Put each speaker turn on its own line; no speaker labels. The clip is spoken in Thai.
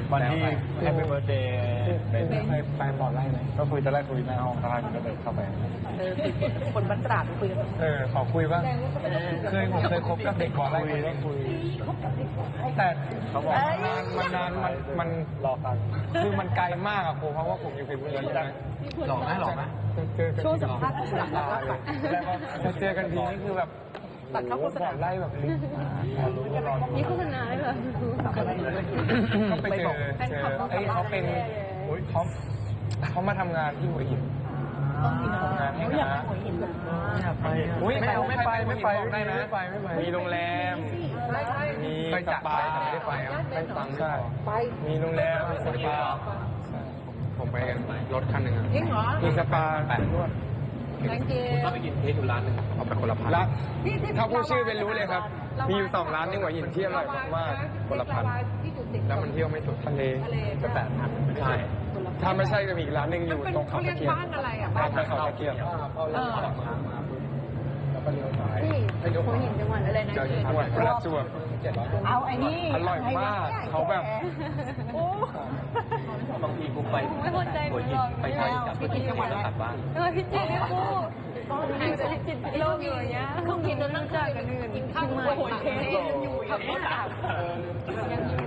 วันที่แฮปปี้เบิร์ดเดย์ไปบอร์ดไล่ไหมก็คุยจะไล่คุยหน้าห้องข้างก็เลยเข้าไป
คนบ้านตราดคุยกัน
ขอคุยบ้างผมเคยคบกับเด็กบอร์ดไล่คุยแต่เขาบอกมันรอฟังคือมันไกลมากอะครูเพราะว่าผมอยู่เพชรบุรีใช่ไหมหล่อไหม
ช่วงสัมภาษณ์หลักแล้ว
จะเจอกันทีนี่คือแบบ
ตัดเข้าโฆษณา
ไล่แบบ
นี่โฆษณาเลยเหรอ
ก็ไปเจอเขาเป็นเขามาทำงานที่หัวหินทำงานให้นะไม่ไปได้นะมีโรงแรมมีสปาไม่ได้ไปไม่ฟังใช่มีโรงแรมมีสปาผมไปกันรถคันหนึ่งมีสปา8นวด
ถ้าไปกินเค้กอยู่ร้านนึง
เอาไปคนละพันถ้าพูดชื่อเป็นรู้เลยครับมีอยู่2 ร้านในหัวหินที่อร่อยมากๆคนละพันแล้วมันเที่ยวไม่สุดทะเลก็8,000ใช่ถ้าไม่ใช่ก็มีอีกร้านนึงอยู่ตรงเขาตะเกียบ
บ้านอะไรอ่ะ
บ้านเขาตะเกียบ
ที่หัวหินจังหวัดอะไรนะ
จังหวัดประจวบ
เอาไอ้นี่
อร่อยมากเขาแบบ
บางทีกูไปหัวหินไปไทยกับพี่จังหวัดแล้วกลับบ้าน
พี่จีนี่กูห่างจากพี่จีโลกอยู่อย่างเงี้ยเครื่องบินต้องนั่งจากกันอื่นกินข้าวหัวหินอยู่กับรถ